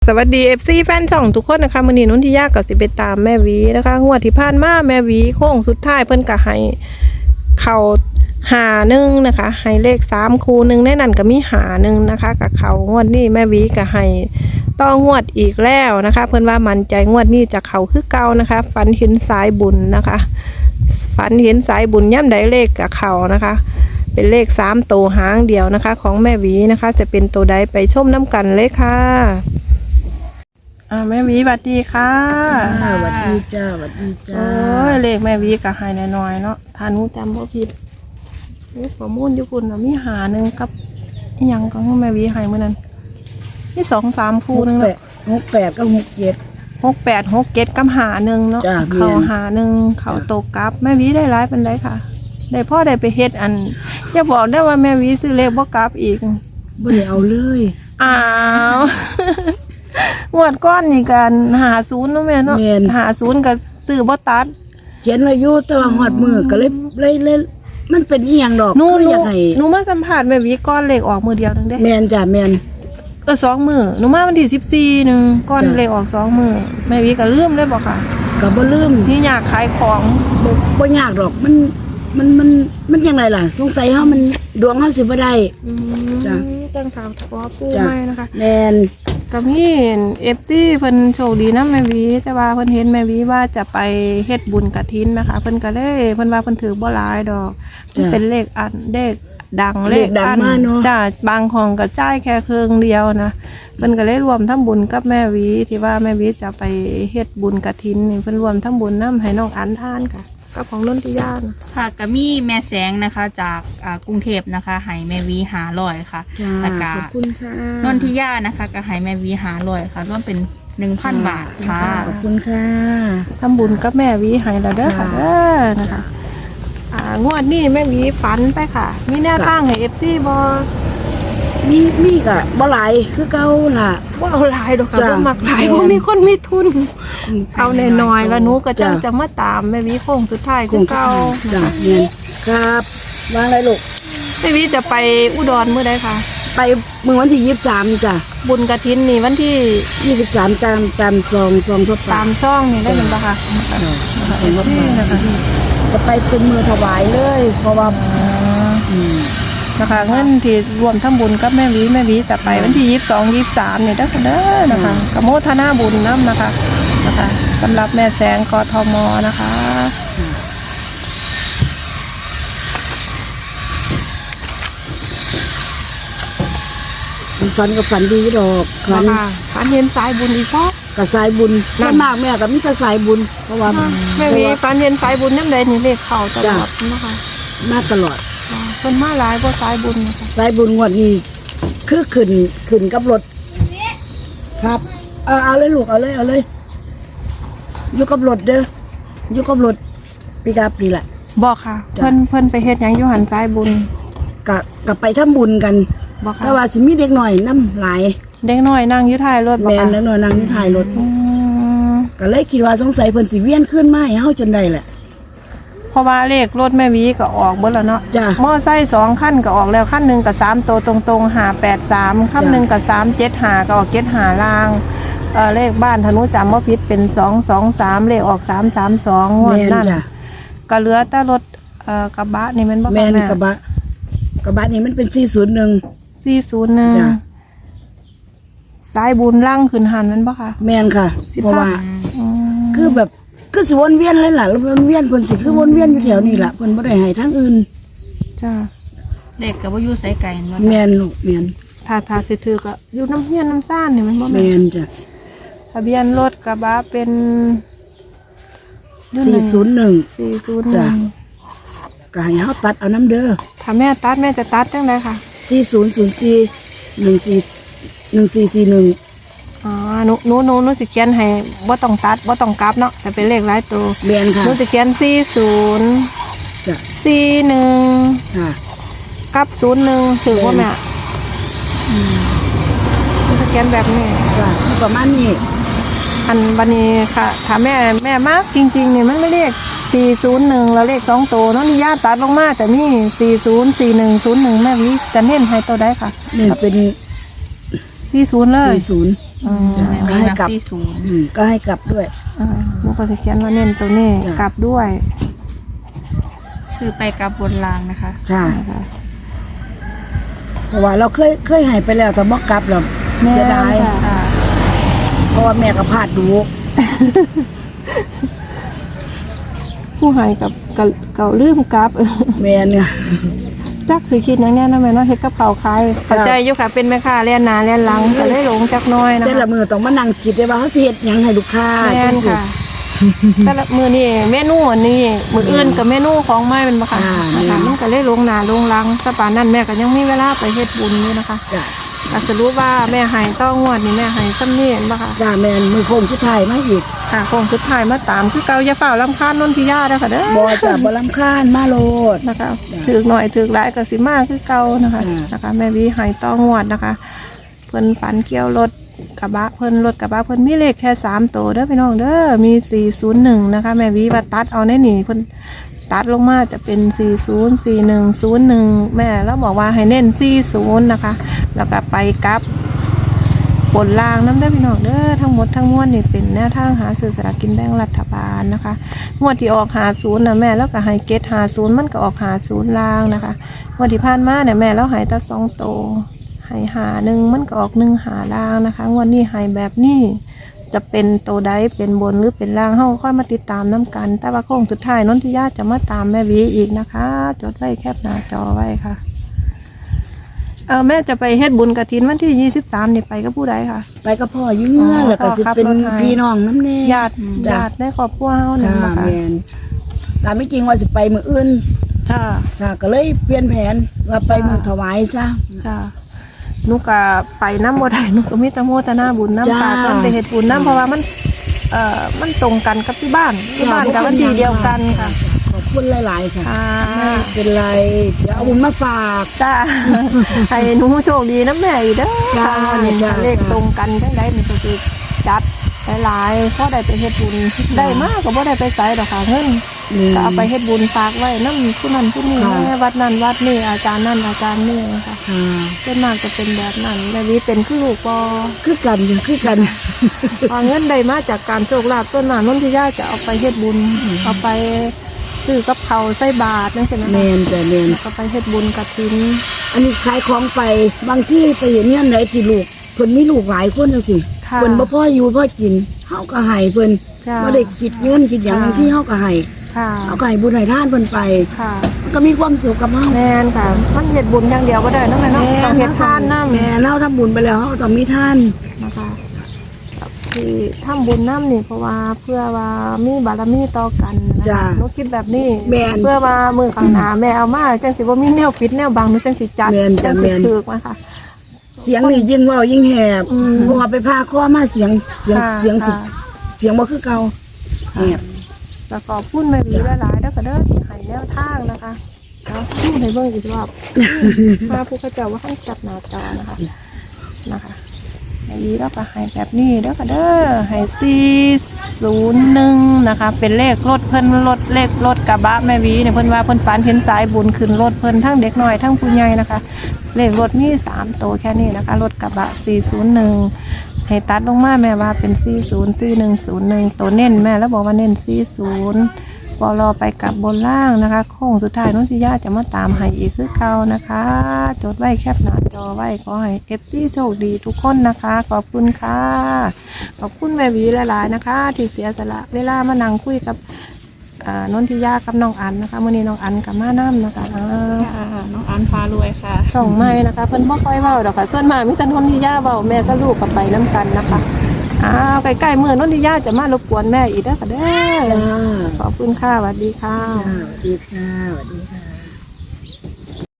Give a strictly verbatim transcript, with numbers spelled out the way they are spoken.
วัสดี เอฟ ซี แฟนช่องทุกคนนะคะมื้อนี้นุ่นที่ยากกับสิไปตามแม่วีนะคะงวดที่ผ่านมาแม่วีโค้งสุดท้ายเพิ่นก็ให้เข่าหาหนึ่งนะคะให้เลขสามคู่หนึ่งในนั้นก็มีหาหนึ่งนะคะกับเขางวดนี้แม่วีก็ให้ต้องงวดอีกแล้วนะคะเพิ่นว่ามั่นใจงวดนี้จะเขาคือเก่านะคะฝันเห็นสายบุญนะคะฝันเห็นสายบุญย่ำใดเลขกับเขานะคะเป็นเลขสามตัวหางเดียวนะคะของแม่วีนะคะจะเป็นตัวใดไปชมน้ำกันเลยค่ะอ่าแม่วีสวัสดีค่ะสวัสดีจ้าสวัสดีจ้าโอ้ยเลขแม่วีก็ให้น้อยๆเนาะถ้าหนูจำบ่ผิดเลขประมูลญี่ปุ่นน่ะมีหาหนึ่งกับอีหยังก็แม่วีให้เมื่อนั้นมีสองสามคู่นึงเนาะหกแปดก็หกเจ็ดหกแปดหกเจ็ดกับหาหนึ่งเนาะเขาหาหนึ่งเขาโตกับแม่วีได้ร้ายเป็นไรค่ะได้พ่อได้ไปเฮ็ดอันอย่าบอกได้ว่าแม่วีซื้อเลขบ่กลับอีกบ่ได้เอาเลยอ้าวงวดก้อนนี่กันหาศูนย์เนาะแม่เนาะหาศูนย์กับซื้อบ่ตัดเขียนอายุแต่ว่าหอดมือก็เลยเลยเลยมันเป็นอีหยังดอกหนูอยากให้หนูมาสัมภาษณ์แม่วีก้อนเลขออกมือเดียวนึงเด้แม่นจ้ะแม่นเออสองมือหนูมาวันที่สิบสี่นึงก้อนเลขออกสองมือแม่วีก็ลืมเลยบ่ค่ะก็บ่ลืมนี่อยากขายของบ่บ่ยากดอกมันมันมันมันยังไงล่ะสงสัยเฮามันดวงเฮาสิบ่ได้จ้ะตั้งข่าวขอปูให้นะคะแม่นก็มี เอฟ ซี เพิ่นโชคดีนำแม่วีแต่ว่าเพิ่นเห็นแม่วีว่าจะไปเฮ็ดบุญกฐินนะคะเพิ่นก็เลยเพิ่นว่าเพิ่นถือบ่หลายดอกมันเป็นเลขอันเลขดังเลขอันจ้ะบางของก็จ่ายแค่ครึ่งเดียวนะเพิ่นก็เลยรวมทำบุญกับแม่วีที่ว่าแม่วีจะไปเฮ็ดบุญกฐินนี่เพิ่นรวมทำบุญนำให้น้องอันทานค่ะกับของนนทิยาค่ะก็มีแม่แสงนะคะจากกรุงเทพนะคะให้แม่วีหาลอยค่ะแล้วก็ขอบคุณค่ะนนทิยานะคะก็ให้แม่วีหาลอยค่ะรวมเป็นหนึ่งพันบาทค่ะขอบคุณค่ะทำบุญกับแม่วีให้แล้วเด้อค่ะเด้อนะคะอ่างวดนี้แม่วีฝันไปค่ะมีแนวทางให้ เอฟ ซี บ่มีมีก็บ่หลายคือเก่าล่ะบ่เอาหลายดอกค่ะบ่มักหลายบ่มีคนมีทุนเอาน้อยๆแล้วหนูก็จังจะมาตามแม่วีโค้งสุดท้ายคือเก่าจ้ะแม่นครับวางอะไรลูกแม่วีจะไปอุดรมื้อใดคะไปมื้อวันที่ยี่สิบสามจ้ะบุญกฐินนี่วันที่ยี่สิบสามตามตามซองซองทั่วไปตามซองนี่ได้เห็นป่ะคะเห็นว่าจะไปเป็นมือถวายเลยเพราะว่าอืมนะคะเงินที่รวมทั้งบุญกับแม่วีแม่วีจะไปวันที่ยี่สิบสองยี่สิบสามเนี่ยได้กันเด้อนะคะกโมทนาบุญน้ำนะคะนะคะสำหรับแม่แสงกทมนะคะฝันกับฝันดีดอกฝันฝันเห็นสายบุญอีกเพราะกับสายบุญส่วนมากแม่กับมิตรสายบุญเพราะว่าแม่วีฝันเห็นสายบุญน้ำใดนี่เลขเข่าตลอดนะคะมาตลอดเป็นมาหลายเพราะสายบุญนะคะสายบุญงวดนี้คือขึ้นขึ้นกับรถครับเอาเอาเลยลูกเอาเลยเอาเลยอยู่กับรถเด้ออยู่กับรถปีกาปีแหละบอกค่ะเพิ่นเพิ่นไปเฮ็ดหยังอยู่หันสายบุญกะกะไปทำบุญกันบอกค่ะแต่ว่าสิมีเด็กหน่อยน้ำหลายเด็กน้อยนั่งอยู่ท้ายรถบอกค่ะแม่เด็กน้อยนั่งอยู่ท้ายรถก็เลยคิดว่าสงสัยเพิ่นสิเวียนขึ้นมาให้เฮาจนได้แหละเพราะว่าเลขรถแม่วีก็ออกเบิดแล้วเนาะมอไซค์สองขั้นก็ออกแล้วขั้นหนึ่งกับสามตัวตรงๆหาแปดสามขั้นหนึ่งกับสามเจ็ดหาก็ออกเจ็ดหาล่างเออเลขบ้านธนุจำว่าพิษเป็นสองสองสามเลขออกสามสามสองงวดนั่นก็เหลือแต่รถเอ่อกระบะนี่มันบ่แม่นกระบะกระบะนี่มันเป็นสี่ศูนย์หนึ่งสี่ศูนย์หนึ่งสายบุญล่างขึ้นหันมันบ่ค่ะแม่นค่ะเพราะว่าคือแบบคือสิวนเวียนเลยล่ะแล้ววนเวียนเพิ่นสิคือวนเวียนอยู่แถวนี้ล่ะเพิ่นบ่ได้ให้ทางอื่นจ้าเด็กก็บ่อยู่ไสไกลเนาะแม่นลูกแม่นถ้าถ้าสิถือก็อยู่น้ำเฮียนน้ำซ่านนี่มันบ่แม่นจ้ะทะเบียนรถกระบะเป็นสี่ศูนย์หนึ่งสี่ศูนย์หนึ่งก็ให้เฮาตัดเอาน้ำเด้อถ้าแม่ตัดแม่จะตัดจังได๋ค่ะสี่ศูนย์ศูนย์สี่ หนึ่งสี่ หนึ่งสี่สี่หนึ่งอ๋อหนูหนูหนูหนูสิเขียนให้บ่ต้องตัดบ่ต้องกลับเนาะจะเป็นเลขหลายตัวเรียนค่ะหนูสิเขียนสี่ศูนย์จ้ะสี่หนึ่งค่ะกับศูนย์หนึ่งถือว่าแม่อืมหนูสิเขียนแบบนี้จ้ะประมาณนี้อันวันนี้ค่ะถ้าแม่แม่มากจริงๆนี่มันไม่เลขสี่ศูนย์หนึ่งแล้วเลขสองตัวน้องนิยาตัดลงมาแต่มีสี่ศูนย์ สี่หนึ่ง ศูนย์หนึ่งแม่วิจะเน้นให้ตัวได้ค่ะเน้นเป็นสี่ศูนย์เลยสี่ศูนย์อืมวีให้มักกลับสี่ศูนย์อืมก็ให้กลับด้วยอ่าหนูก็จะเขียนว่าเน้นตัวนี้จ้ะกลับด้วยซื้อไปกับบนรางนะคะค่ะนะคะเพราะว่าเราเคยเคยให้ไปแล้วแต่บ่กลับแล้วแม่เสียดายค่ะค่ะเพราะว่าแม่ก็พลาดดูผู้ให้กับกับเก่าลืมกลับแม่เนี่ยจักสิคิดอย่างนี้นะแม่เนาะเฮ็ดกับข้าวขายเข้าใจอยู่ค่ะเป็นแม่ค้าเลียนหน้าเลียนหลังก็ได้หลงจักหน้อยนะแต่ละคะมือต้องมานั่งคิดได้ว่าเขาสิเฮ็ดหยังให้ลูกค้าแม่นค่ะ แต่ละมื้อนี้เมนูอันนี้มื้ออื่นกับเมนูของใหม่เป็นบ่ค่ะนะคะมันก็เลยหลงหน้าหลงหลังแต่ป่านนั้นแม่ก็ยังมีเวลาไปเฮ็ดบุญอยู่นะคะจ้ะก็สรุปว่าแม่ให้ต้องงวดนี่แม่ให้ซ้ำนี่เห็นบ่ค่ะจ้าแม่นมือโค้งสุดท้ายมาอีกค่ะคงสุดท้ายมาตามคือเก่าอย่าเฝ้ารำคาญนนทิยาเด้อค่ะเด้อบ่จ้ะบ่รำคาญมาโลดนะคะถือหน่อยถือหลายก็สิมากคือเก่านะคะอืมนะคะ แม่วีให้ต้องงวดนะคะ เพิ่นฝันเกี่ยวรถกระบะเพิ่นรถกระบะเพิ่นมีเลขแค่สามตัวเด้อพี่น้องเด้อมีสี่ศูนย์หนึ่งนะคะ แม่วีว่าตัดเอาในนี่เพิ่นตัดลงมาจะเป็นสี่ศูนย์สี่หนึ่งศูนย์หนึ่งแม่แล้วบอกว่าให้เน้นสี่ศูนย์นะคะ แล้วก็ไปกลับ ผลลางน้ำได้อพี่น้องเด้อทั้งหมดทั้งมวลนี่เป็นแนวทางหาซื้อสลากกินแบ่งรัฐบาลนะคะงวดที่ออกหาศูนย์นะแม่แล้วก็ให้เกตหาศูนย์มันก็ออกหาศูนย์ลางนะคะงวดที่ผ่านมาเนี่ยแม่แล้วให้แตั้สองโตให้หาหนึ่งมันก็ออกหนึ่งหาลางนะคะงวดนี้ให้แบบนี้จะเป็นโตใดเป็นบนหรือเป็นล่างเฮาค่อยมาติดตามน้ำกัน แต่ว่าโค้งสุดท้ายนนทิยาจะมาตามแม่วีอีกนะคะ จดไว้แคปหน้าจอไว้ค่ะเออแม่จะไปเฮ็ดบุญกฐินวันที่ยี่สิบสามนี่ไปกับผู้ใดค่ะไปกับพ่ออยู่เงื่อนแล้วก็สิเป็นพี่น้องน้ำแน่ญาติจ้ะญาติในครอบครัวเฮานั่นค่ะนะคะแม่นตามไม่จริงว่าสิไปมื้ออื่นค่ะค่ะก็เลยเปลี่ยนแผนว่าไปมื้อถวายซะจ้าหนูก็ไปน้ำบ่ได้หนูก็มีแต่โมทนาบุญน้ำจ้าฝากเพิ่นไปเฮ็ดบุญน้ำเพราะว่ามันเอ่อมันตรงกันกับที่บ้านที่บ้านกับวันที่เดียวกันค่ะขอบคุณหลายๆค่ะค่ะไม่เป็นไรเดี๋ยวเอาบุญมาฝากจ้า ให้หนูโชคดีนะแม่อีกเด้อจ้าค่ะวันนี้จ้าเลขตรงกันจังได๋มันก็สิจัดหลายๆพอได้ไปเฮ็ดบุญได้มากก็บ่ได้ไปไสดอกค่ะเงินนี่ก็เอาไปเฮ็ดบุญฝากไว้น้ำผู้นั้นผู้นี้ค่ะแม่วัดนั้นวัดนี้อาจารย์นั่นอาจารย์นี่นะคะค่ะส่วนมากจะเป็นแบบนั้นแม่วิเป็นคือลูกปอคือกันอยู่คือกันพอเงินใดมาจากการโชคลาภส่วนมากนนทิยาจะเอาไปเฮ็ดบุญเอาไปซื้อกับเขาวใส่บาตรนั่นใช่ไหมแมคะนแต่แมนแล้วก็ไปเฮ็ดบุญกฐินอันนี้ขายของไปบางที่ไปเห็นเนี่ยไหนที่ลูกเพิ่นมีลูกหลายคนน่ะสิค่ะเพิ่นบ่พ่ออยู่พ่อกินเฮาก็ให้เพิ่นค่ะบ่ได้คิดเงินคิดหยังค่ะบางที่เฮาก็ให้ค่ะเฮาก็ให้บุญให้ทานเพิ่นไปค่ะมันก็มีความสุขกับเฮาแม่นค่ะมันเฮ็ดบุญอย่างเดียวก็ได้เนาะแม่เนาะต้องเฮ็ดทานนำแม่เฮาทำบุญไปแล้วเฮาต้องมีทานนะคะที่ทำบุญน้ำนี่เพราะว่าเพื่อว่ามีบารมีต่อกันนะจ้ะคะหนูคิดแบบนี้แม่นเพื่อว่ามือข้างหน้าแม่เอามาจังสิบ่มีแนวปิดแนวบังหนูจังสิจัดแม่นจ้ะจังแม่สินถูกมาค่ะเสียงนี่ยิ่งเว้ายิ่งแหบอืมเพราะว่าไปพาข้อมาเสียงเสียงค่ะเสียงสิค่ะเสียงบ่คือเก่าแหบแล้วก็พูดแม่วีหลายๆแล้วก็เด้อที่ให้แนวทางนะคะเนาะพูดให้เบิ่งอีกรอบมาผู้เขาเจ้าว่าให้จับหน้าจอนะคะนะคะแม่วีแล้วก็ให้แบบนี้แล้วก็เด้อให้สี่ศูนย์หนึ่งนะคะ เป็นเลขรถเพิ่นรถเลขรถกระบะแม่วีเนี่ยเพิ่นว่าเพิ่นฝันเห็นสายบุญขึ้นรถเพิ่นทั้งเด็กน้อยทั้งผู้ใหญ่นะคะ เลขรถมีสามตัวแค่นี้นะคะรถกระบะสี่ศูนย์หนึ่งให้ตัดลงมาแม่ว่าเป็นสี่ศูนย์สี่หนึ่งศูนย์หนึ่งตัวเน้นแม่แล้วบอกว่าเน้นสี่ศูนย์พอรอไปกับบนล่างนะคะโค้งสุดท้ายน้องชิยาจะมาตามให้อีกคือเก่านะคะ จดไว้แคปหน้าจอไว้ขอให้เอฟซีโชคดีทุกคนนะคะ ขอบคุณค่ะ ขอบคุณแม่หวีหลายๆนะคะ ที่เสียสละเวลามานั่งคุยกับอ่านนทิยากับน้องอันนะคะมื่อนี้น้องอันกับมาน้ำนะคะอ่าค่ะน้องอันพารวยค่ะส่งไม้นะคะเพิ่นบ่ค่อยเว้าดอกค่ะส่วนมากมีแต่นนทิยาเว้าแม่ก็ลูกกับไปน้ำกันนะคะอ้าวใกล้ๆมื้อนนทิยาจะมารบกวนแม่อีกเด้อค่ะเด้อจ้าขอบคุณค่ะสวัสดีค่ะจ้าสวัสดีค่ะสวัสดีค่ะ